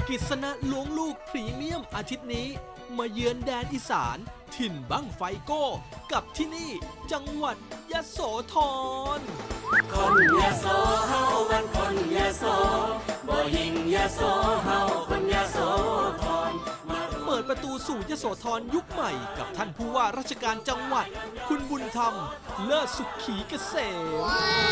กิษณะล้วงลูกพรีเมียมอาทิตย์นี้มาเยือนแดนอีสานถิ่นบั้งไฟโก้กับที่นี่จังหวัดยโสธรคนยโสเฮามันคนยโสบ่ยิงยโสเฮาคนยโสธรเปิดประตูสู่ยโสธรยุคใหม่กับท่านผู้ว่าราชการจังหวัดคุณบุญธรรมเลิศสุขีเกษม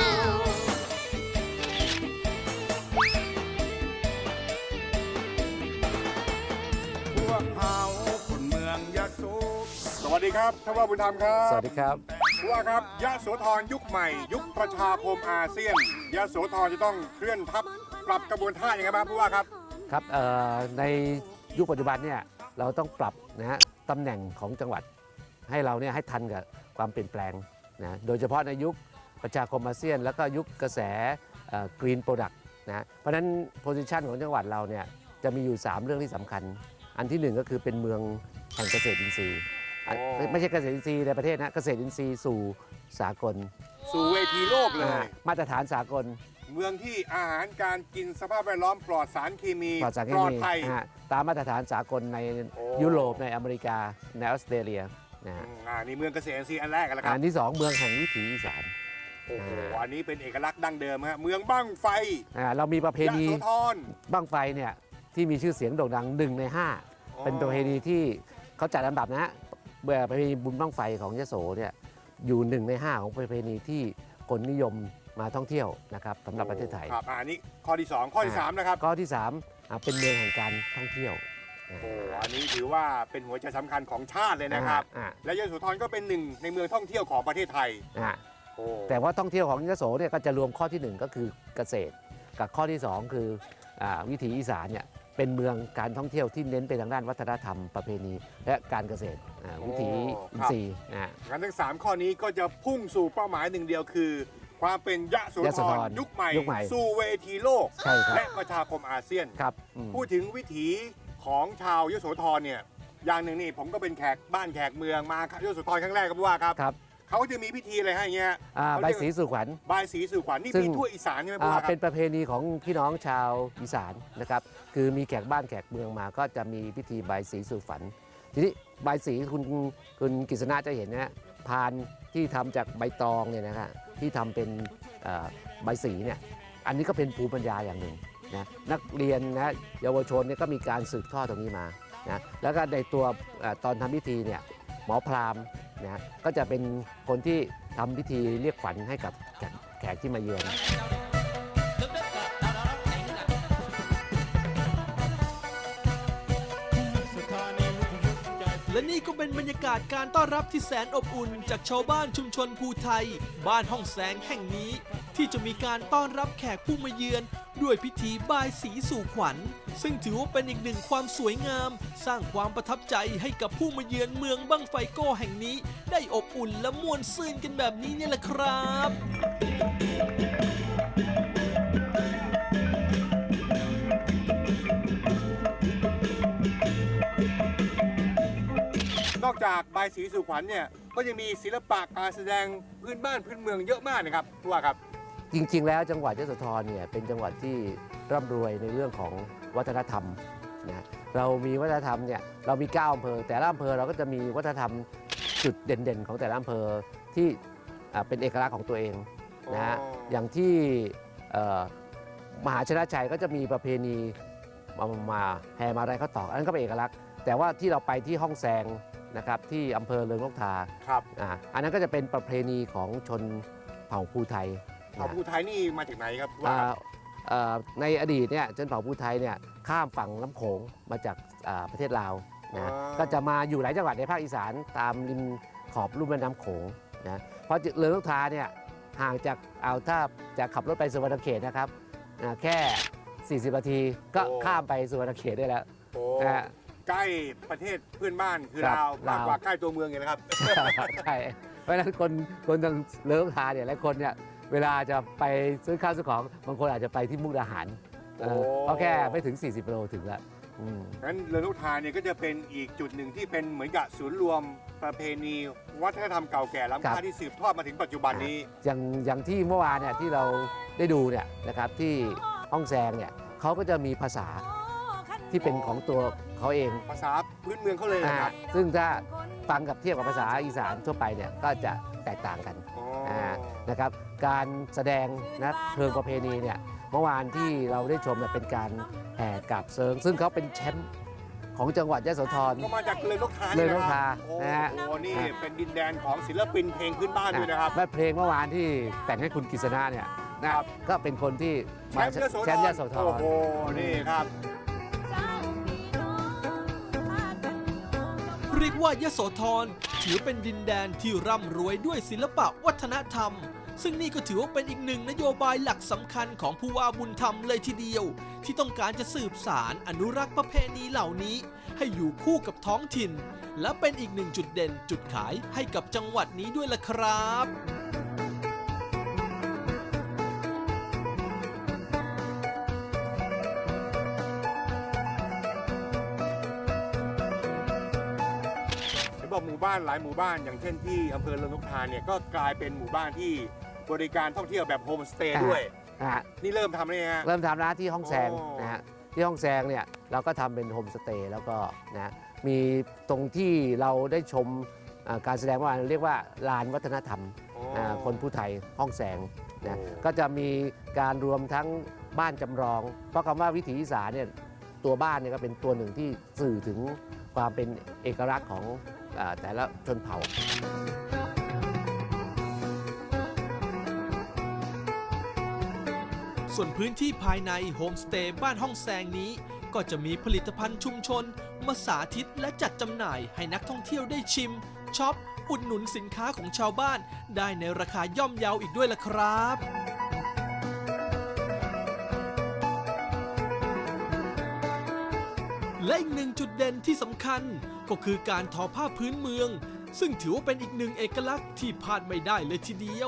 สวัสดีครับท่านว่าบุญธรรมครับสวัสดีครับผู้ว่าครับยโสธรยุคใหม่ยุคประชาคมอาเซียนยโสธรจะต้องเคลื่อนทัพปรับกระบวนท่าอย่างไรบ้างผู้ว่าครับครับในยุคปัจจุบันเนี่ยเราต้องปรับนะฮะตำแหน่งของจังหวัดให้เราเนี่ยให้ทันกับความเปลี่ยนแปลงนะโดยเฉพาะในยุคประชาคมอาเซียนแล้วก็ยุคกระแสกรีนโปรดักต์นะเพราะฉะนั้นโพซิชันของจังหวัดเราเนี่ยจะมีอยู่3เรื่องที่สำคัญอันที่1ก็คือเป็นเมืองแห่งเกษตรอินทรีย์ไม่ใช่เกษตรอินทรีย์ในประเทศนะเกษตรอินทรีย์สู่สากลสู่เวทีโลกเลยมาตรฐานสากลเมืองที่อาหารการกินสภาพแวดล้อมปลอดสารเคมีปลอดภัยตามมาตรฐานสากลในยุโรปในอเมริกาในออสเตรเลียนะฮะนี่เมืองเกษตรอินทรีย์อันแรกกันแล้วครับอันที่2เมืองแห่งวิถีอีสานโอ้โหอันนี้เป็นเอกลักษณ์ดั้งเดิมฮะเมืองบั้งไฟเรามีประเพณียโสธรบั้งไฟเนี่ยที่มีชื่อเสียงโด่งดัง1 ใน 5เป็นประเพณีที่เขาจัดลำดับนะฮะประเพณีบุญบั้งไฟของยโสเนี่ยอยู่1 ใน 5ของประเพณีที่คนนิยมมาท่องเที่ยวนะครับสำหรับประเทศไทยครับอันนี้ข้อที่2ข้อที่3นะครับข้อที่3เป็นเมืองแห่งการท่องเที่ยวโอ้อันนี้ถือว่าเป็นหัวใจสำคัญของชาติเลยนะครับและยโสธรก็เป็น1ในเมืองท่องเที่ยวของประเทศไทยแต่ว่าท่องเที่ยวของยโสเนี่ยก็จะรวมข้อที่1ก็คือเกษตรกับข้อที่2คือวิถีอีสานเนี่ยเป็นเมืองการท่องเที่ยวที่เน้นไปทางด้านวัฒนธรรมประเพณีและการเกษตรวิถีอินทรีย์งั้นทั้ง3ข้อนี้ก็จะพุ่งสู่เป้าหมายหนึ่งเดียวคือความเป็นยโสธรยุคใหม่สู่เวทีโลกและประชาคมอาเซียนพูดถึงวิถีของชาวยโสธรเนี่ยอย่างหนึ่งนี่ผมก็เป็นแขกบ้านแขกเมืองมายโสธรครั้งแรกครับว่าครับเขาจะมีพิธีอะไรให้เงี้ยใบสีสู่ขวัญใบสีสู่ขวัญนี่มีทั่วอีสานใช่ไหมพ่อครับเป็นประเพณีของพี่น้องชาวอีสานนะครับคือมีแขกบ้านแขกเมืองมาก็จะมีพิธีใบสีสู่ขวัญทีนี้ใบสีคุณกฤษณะจะเห็นนะพานที่ทำจากใบตองเนี่ยนะครับที่ทำเป็นใบสีเนี่ยอันนี้ก็เป็นภูมิปัญญาอย่างหนึ่งนะนักเรียนนะเยาวชนเนี่ยก็มีการสืบทอดตรงนี้มานะแล้วก็ในตัวตอนทำพิธีเนี่ยหมอพราหมณ์นะก็จะเป็นคนที่ทำพิธีเรียกขวัญให้กับแขกที่มาเยือนและนี่ก็เป็นบรรยากาศการต้อนรับที่แสนอบอุ่นจากชาวบ้านชุมชนภูไทยบ้านห้องแสงแห่งนี้ที่จะมีการต้อนรับแขกผู้มาเยือนด้วยพิธีบายสีสู่ขวัญซึ่งถือว่าเป็นอีกหนึ่งความสวยงามสร้างความประทับใจให้กับผู้มาเยือนเมืองบั้งไฟโก้แห่งนี้ได้อบอุ่นและม่วนซื่นกันแบบนี้นี่แหละครับนอกจากใบสีสู่ขวัญเนี่ยก็ยังมีศิลปะการแสดงพื้นบ้านพื้นเมืองเยอะมากนะครับผู้ว่าครับจริงๆแล้วจังหวัดยโสธรเนี่ยเป็นจังหวัดที่ร่ำรวยในเรื่องของวัฒนธรรมนะเรามีวัฒนธรรมเนี่ยเรามี9อำเภอแต่ละอำเภอเราก็จะมีวัฒนธรรมจุดเด่นๆของแต่ละอำเภอที่เป็นเอกลักษณ์ของตัวเองนะอย่างที่มหาชนะชัยก็จะมีประเพณีมาแห่มาลัยข้าวตอกอันนั้นก็เป็นเอกลักษณ์แต่ว่าที่เราไปที่ห้องแซงนะครับที่อำเภอเริงนกทาอันนั้นก็จะเป็นประเพณีของชนเผ่าภูไทยเผ่าภูไทยนี่มาจากไหนครับในอดีตเนี่ยชนเผ่าภูไทยเนี่ยข้ามฝั่งน้ำโขงมาจากประเทศลาวนะก็จะมาอยู่หลายจังหวัดในภาคอีสานตามริมขอบลุ่มแม่น้ำโขงนะเพราะเริงนกทาเนี่ยห่างจากถ้าจะขับรถไปสุวรรณเขตนะครับแค่40 นาทีก็ข้ามไปสุวรรณเขตได้แล้วใกล้ประเทศเพื่อนบ้านคือลาวมากกว่าใกล้ตัวเมืองไงนะครับใช่เพราะฉะนั้นคนทางเลิกทาเนี่ยหลายคนเนี่ยเวลาจะไปซื้อข้าวซื้อของบางคนอาจจะไปที่มุกดาหารเพราะแค่ไม่ถึง40 กิโลถึงแล้วงั้นเริงนกทาเนี่ยก็จะเป็นอีกจุดหนึ่งที่เป็นเหมือนกับศูนย์รวมประเพณีวัฒนธรรมเก่าแก่ล้ำค่าที่สืบทอดมาถึงปัจจุบันนี้อย่างที่เมื่อวานเนี่ยที่เราได้ดูเนี่ยนะครับที่ห้องแซงเนี่ยเขาก็จะมีภาษาที่เป็นของตัวเขาเองภาษาพื้นเมืองเขาเลยนะครับซึ่งถ้าฟังกับเทียบกับภาษาอีสานทั่วไปเนี่ยก็จะแตกต่างกันอ๋อนะครับการแสดงนะเชิงประเพณีเนี่ยเมื่อวานที่เราได้ชมเนี่ยเป็นการแห่กาบเซิงซึ่งเขาเป็นแชมป์ของจังหวัดยโสธรก็มาจากเลยนกทาเลยนกทาโอ้นะฮะโหนี่เป็นดินแดนของศิลปินเพลงพื้นบ้านด้วยนะครับและเพลงเมื่อวานที่แต่งให้คุณกฤษณะเนี่ยนะครับ ก็เป็นคนที่แชมามป์ยโสธรแชมป์ยโสธโอ้รโหนี่ครับเรียกว่ายโสธรถือเป็นดินแดนที่ร่ำรวยด้วยศิลปะวัฒนธรรม ซึ่งนี่ก็ถือว่าเป็นอีกหนึ่งนโยบายหลักสำคัญของผู้ว่าบุญธรรมเลยทีเดียว ที่ต้องการจะสืบสารอนุรักษ์ประเพณีเหล่านี้ ให้อยู่คู่กับท้องถิ่น และเป็นอีกหนึ่งจุดเด่นจุดขายให้กับจังหวัดนี้ด้วยล่ะครับเห็นบอกหมู่บ้านหลายหมู่บ้านอย่างเช่นที่อำเภอเรือนกทาเนี่ยก็กลายเป็นหมู่บ้านที่บริการท่องเที่ยวแบบโฮมสเตย์ด้วยนะฮะนี่เริ่มทำเลยฮะเริ่มทำร้านที่ห้องแซงโอ้นะฮะที่ห้องแซงเนี่ยเราก็ทำเป็นโฮมสเตย์แล้วก็นะมีตรงที่เราได้ชมการแสดงเมื่อวานเรียกว่าลานวัฒนธรรม คนผู้ไทยห้องแสงนะโอ้ก็จะมีการรวมทั้งบ้านจำลอง เพราะคำว่าวิถีอีสานเนี่ยตัวบ้านเนี่ยก็เป็นตัวหนึ่งที่สื่อถึงความเป็นเอกลักษณ์ของแต่ละชนเผ่าส่วนพื้นที่ภายในโฮมสเตย์บ้านห้องแซงนี้ ก็จะมีผลิตภัณฑ์ชุมชน มาสาธิตและจัดจำหน่ายให้นักท่องเที่ยวได้ชิมช็อปอุดหนุนสินค้าของชาวบ้าน ได้ในราคาย่อมเยาอีกด้วยล่ะครับ และอีกหนึ่งจุดเด่นที่สำคัญก็คือการทอผ้าพื้นเมือง ซึ่งถือว่าเป็นอีกหนึ่งเอกลักษณ์ที่พลาดไม่ได้เลยทีเดียว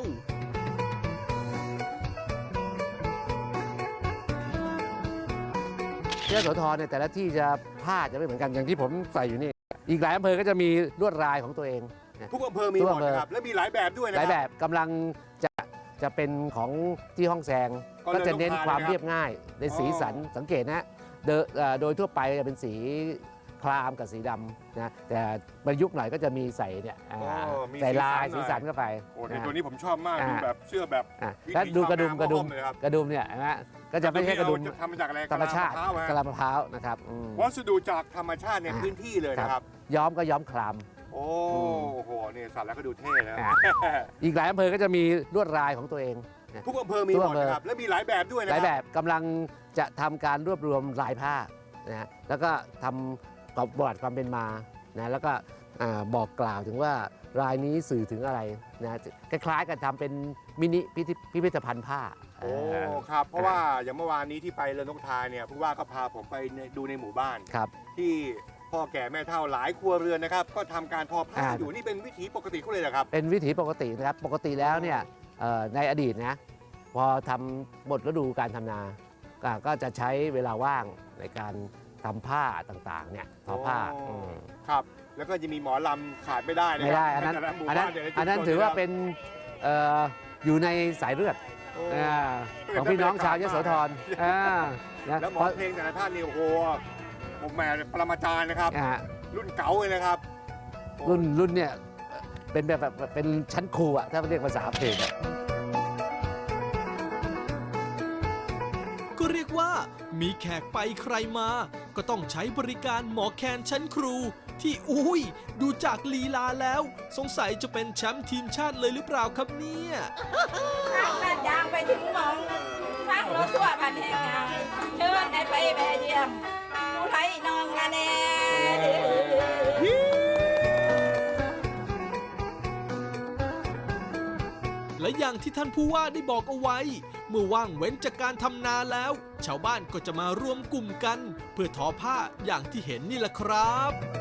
ยโสธรเนี่ยแต่ละที่จะผ้าจะไม่เหมือนกันอย่างที่ผมใส่อยู่นี่ อีกหลายอำเภอก็จะมีลวดลายของตัวเองนะทุกอำเภอมีทุหกมดอำเภอนะครับและมีหลายแบบด้วยนะหลายคแบรับบกำลังจะเป็นของที่ห้องแซงก็เลยก็จะเน้นต้องทานความนะครับเรียบง่ายในสีสันอ๋อสังเกตนะโดยทั่วไปจะเป็นสีครามกับสีดำนะแต่ประยุกต์หน่อยก็จะมีใส่เนี่ยมีใส่ลายหน่สีอสันเข้าไปโอ้ในนะตัวนี้ผมชอบมากดูแบบเสื้อแบบ วิถีแล้วดูกระดุมชาวกระดุมนาเลยครับกระดุมเนี่ยนะก็จะไม่ใช่กระดุมนี่เอาทำมาจากอะไรธรรมชาติกะลมะพร้าวฮะกะลามะพร้าวนะครับอืมวัสดุจากธรรมชาติในอ่าพื้นที่เลยนะครับย้อมก็ย้อมคลามโอ้โหนี่สัตว์แล้วก็ดูเท่นะอ่า อีกหลายอำเภอก็จะมีลวดลายของตัวเองนะทุกอำเภอมีทุหกมดอำเภอนะครับและมีหลายแบบด้วยนะหลายคแบรับบกำลังจะทำการรวบรวมลายผ้านะแล้วก็ทำประวัติความเป็นมานะแล้วก็บอกกล่าวถึงว่ารายนี้สื่อถึงอะไรนะคล้ายๆกันทำเป็นมินิพิพิธภัณฑ์ผ้าโอ้ครับเพราะว่าอย่างเมื่อวานนี้ที่ไปเรือนนกทาเนี่ยผู้ว่าก็พาผมไปดูในหมู่บ้านครับที่พ่อแก่แม่เฒ่าหลายครัวเรือนนะครับ ก็ทำการทอผ้าอ่าอยู่นี่เป็นวิถีปกติเขาเลยเหรอครับเป็นวิถีปกตินะครับปกติแล้วเนี่ยในอดีตนะพอทำหมดฤดูการทำนาก็จะใช้เวลาว่างในการทำผ้าต่างๆเนี่ยทอผ้าอ๋ออื ครับ แล้วก็จะมีหมอลำขาดไม่ได้นะไม่ครัได้อันนั้นแต่ละหมู่อันนั้นบ้าแต่ละชุมชอันนั้นถือว่าเป็นอยู่ในสายเลือดโอ้ของพี่น้องชาวยโสธรนะแล้วหมอเพลงแต่ละท่านนี่โอ้โหผมแหม่ปรมาจารย์นะครับอ่ารุ่นเก๋าเลยนะครับโอ้รุ่นเนี่ยเป็นแบบเป็นชั้นครูอะถ้าเรียกภาษาเพลงอะก็เรียกว่ามีแขกไปใครมา ก็ต้องใช้บริการหมอแคนชั้นครู ที่อุ้ยดูจากลีลาแล้ว สงสัยจะเป็นแชมป์ทีมชาติเลยหรือเปล่าครับเนี่ยทางบ้านยางไปถึงหมองฟังรถทั่วพันแห่งงามเชิญได้ไปแบเยี่ยมผู้ไทยน้องละแน่และอย่างที่ท่านผู้ว่าได้บอกเอาไว้ เมื่อว่างเว้นจากการทำนาแล้ว ชาวบ้านก็จะมารวมกลุ่มกัน เพื่อทอผ้าอย่างที่เห็นนี่แหละครับ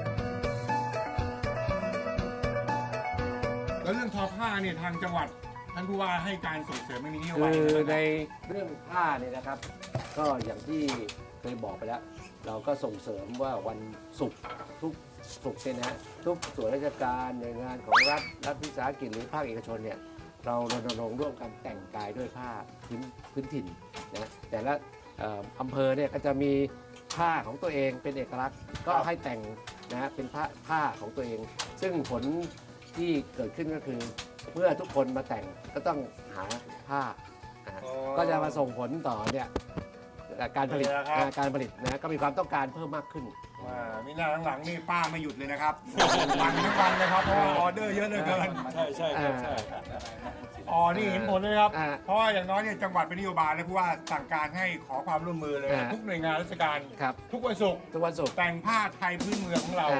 แล้วเรื่องทอผ้าเนี่ยทางจังหวัดท่านผู้ว่าให้การส่งเสริมไม่มีนโยบายคือในเรื่องผ้าเนี่ยนะครับ ก็อย่างที่เคยบอกไปแล้ว เราก็ส่งเสริมว่าวันศุกร์ทุกศุกร์เนี่ยนะทุกส่วนราชการหน่วยงานของรัฐวิสาหกิจหรือภาคเอกชนเนี่ยเรารณรงค์ร่วมกันแต่งกายด้วยผ้าพื้นถิ่นนะแต่ละอำเภอเนี่ยก็จะมีผผ้าของตัวเองเป็นเอกลักษณ์ก็ให้แต่งนะเป็นผ้าของตัวเอง ซึ่งผลที่เกิดขึ้นก็คือเมื่อทุกคนมาแต่งก็ต้องหาผ้าก็จะมาส่งผลต่อเนี่ยการผลิตนะก็มีความต้องการเพิ่มมากขึ้นมีหน้าหลังๆนี่ป้าไม่หยุดเลยนะครับวันทั้งวันเลยครับเพราะว่าออเดอร์เยอะเหลือเกินใช่นี่เห็นผลเลยครับเพราะว่าอย่างน้อยเนี่ยจังหวัดเป็นนโยบายเลยผู้ว่าสั่งการให้ขอความร่วมมือเลยทุกหน่วยงานราชการทุกวันศุกร์แต่งผ้าไทยพื้นเมืองของเรา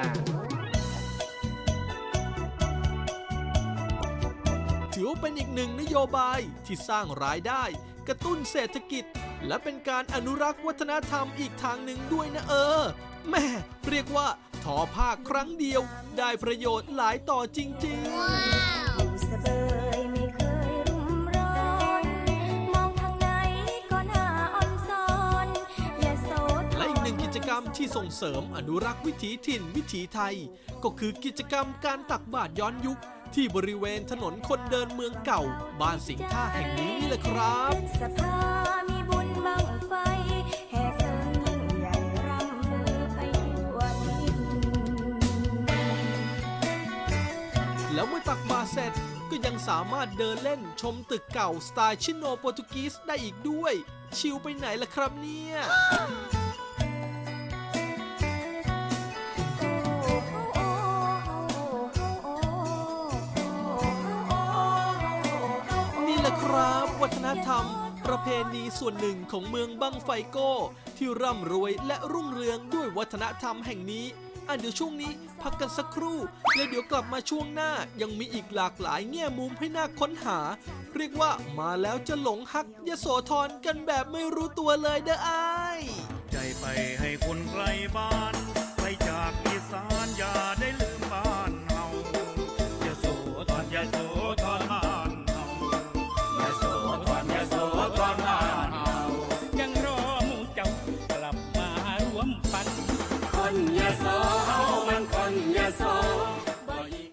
ถือว่าเป็นอีกหนึ่งนโยบายที่สร้างรายได้กระตุ้นเศรษฐกิจและเป็นการอนุรักษ์วัฒนธรรมอีกทางหนึ่งด้วยนะแม่เรียกว่าทอผ้าครั้งเดียวได้ประโยชน์หลายต่อจริงๆและอีกหนึ่งกิจกรรมที่ส่งเสริมอนุรักษ์วิถีถิ่นวิถีไทยก็คือกิจกรรมการตักบาตรย้อนยุคที่บริเวณถนนคนเดินเมืองเก่าบ้านสิงห์ท่าแห่งนี้นี่แหละครับแล้วเมื่อตักบาตรเสร็จก็ยังสามารถเดินเล่นชมตึกเก่าสไตล์ชิโนโปรตุกีสได้อีกด้วยชิลไปไหนล่ะครับเนี่ยครับวัฒนธรรมประเพณีส่วนหนึ่งของเมืองบั้งไฟโก้ที่ร่ำรวยและรุ่งเรืองด้วยวัฒนธรรมแห่งนี้เดี๋ยวช่วงนี้พักกันสักครู่แล้วเดี๋ยวกลับมาช่วงหน้ายังมีอีกหลากหลายแง่มุมให้น่าค้นหาเรียกว่ามาแล้วจะหลงฮักยโสธรกันแบบไม่รู้ตัวเลยเด้ออ้ายใจไปให้คนไกลบ้านไปจากอีสานอย่าได้ลื